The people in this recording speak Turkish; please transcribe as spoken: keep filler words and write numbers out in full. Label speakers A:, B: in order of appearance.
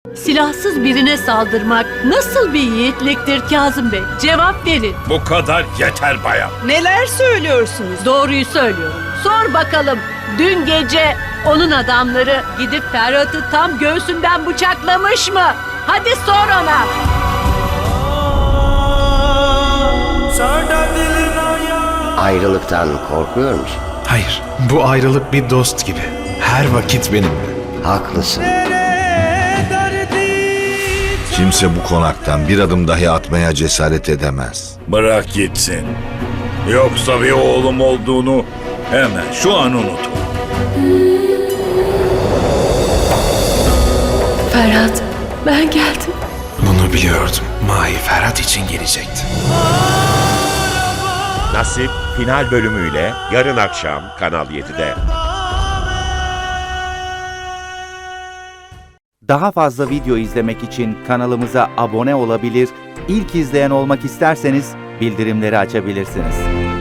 A: Silahsız birine saldırmak nasıl bir yiğitliktir Kazım Bey? Cevap verin.
B: Bu kadar yeter bayan.
C: Neler söylüyorsunuz?
A: Doğruyu söylüyorum. Sor bakalım. Dün gece onun adamları gidip Ferhat'ı tam göğsünden bıçaklamış mı? Hadi sor ona.
D: Ayrılıktan korkuyor musun?
E: Hayır, bu ayrılık bir dost gibi. Her vakit benimle.
D: Haklısın.
F: Kimse bu konaktan bir adım dahi atmaya cesaret edemez.
B: Bırak gitsin. Yoksa bir oğlum olduğunu hemen şu an unutun.
A: Ferhat, ben geldim.
E: Bunu biliyordum. Mahi Ferhat için gelecekti.
G: Nasip final bölümüyle yarın akşam Kanal yedide.
H: Daha fazla video izlemek için kanalımıza abone olabilir, ilk izleyen olmak isterseniz bildirimleri açabilirsiniz.